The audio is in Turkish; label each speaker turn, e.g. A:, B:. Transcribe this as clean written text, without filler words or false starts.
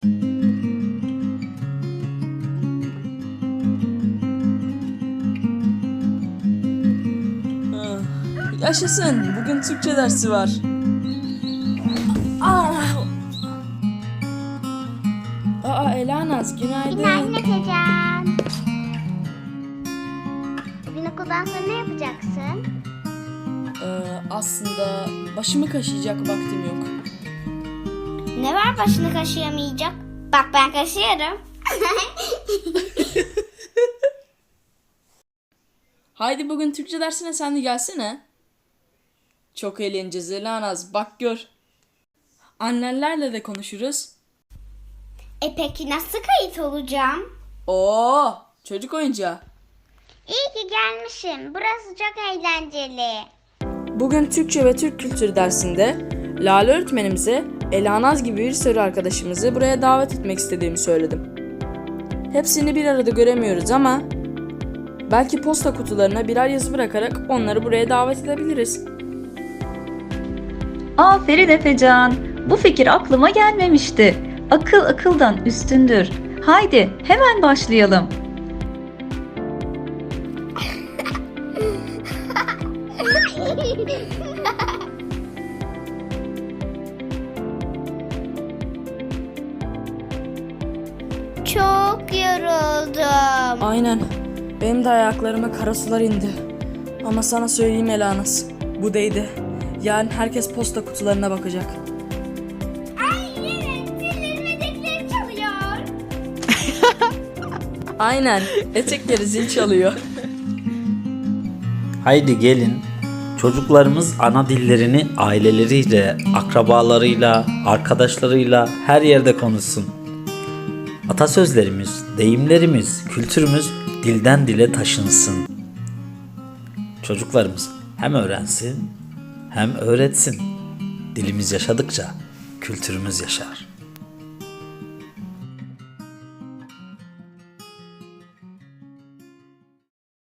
A: Yaşasın, bugün Türkçe dersi var. Elanaz, günaydın.
B: Günaydın Efecan. Bugün okuldan sonra ne yapacaksın?
A: Aslında başımı kaşıyacak vaktim yok.
B: Ne var başını kaşıyamayacak? Bak ben kaşıyorum.
A: Haydi bugün Türkçe dersine sen de gelsene. Çok eğleneceğiz Elanaz, bak gör. Annenlerle de konuşuruz.
B: Peki nasıl kayıt olacağım?
A: Oo, çocuk oyuncağı.
B: İyi ki gelmişim. Burası çok eğlenceli.
A: Bugün Türkçe ve Türk kültürü dersinde Lale öğretmenimize Elanaz gibi bir sürü arkadaşımızı buraya davet etmek istediğimi söyledim. Hepsini bir arada göremiyoruz ama belki posta kutularına birer yazı bırakarak onları buraya davet edebiliriz.
C: Aferin Efecan. Bu fikir aklıma gelmemişti. Akıl akıldan üstündür. Haydi hemen başlayalım.
B: Çok yoruldum.
A: Aynen. Benim de ayaklarıma kara sular indi. Ama sana söyleyeyim Elanaz, bu değdi. Yarın herkes posta kutularına bakacak.
B: Ay evet, zillerin etekleri çalıyor.
A: Aynen. Etekleri zil çalıyor.
D: Haydi gelin, çocuklarımız ana dillerini aileleriyle, akrabalarıyla, arkadaşlarıyla her yerde konuşsun. Atasözlerimiz, deyimlerimiz, kültürümüz dilden dile taşınsın. Çocuklarımız hem öğrensin hem öğretsin. Dilimiz yaşadıkça kültürümüz yaşar.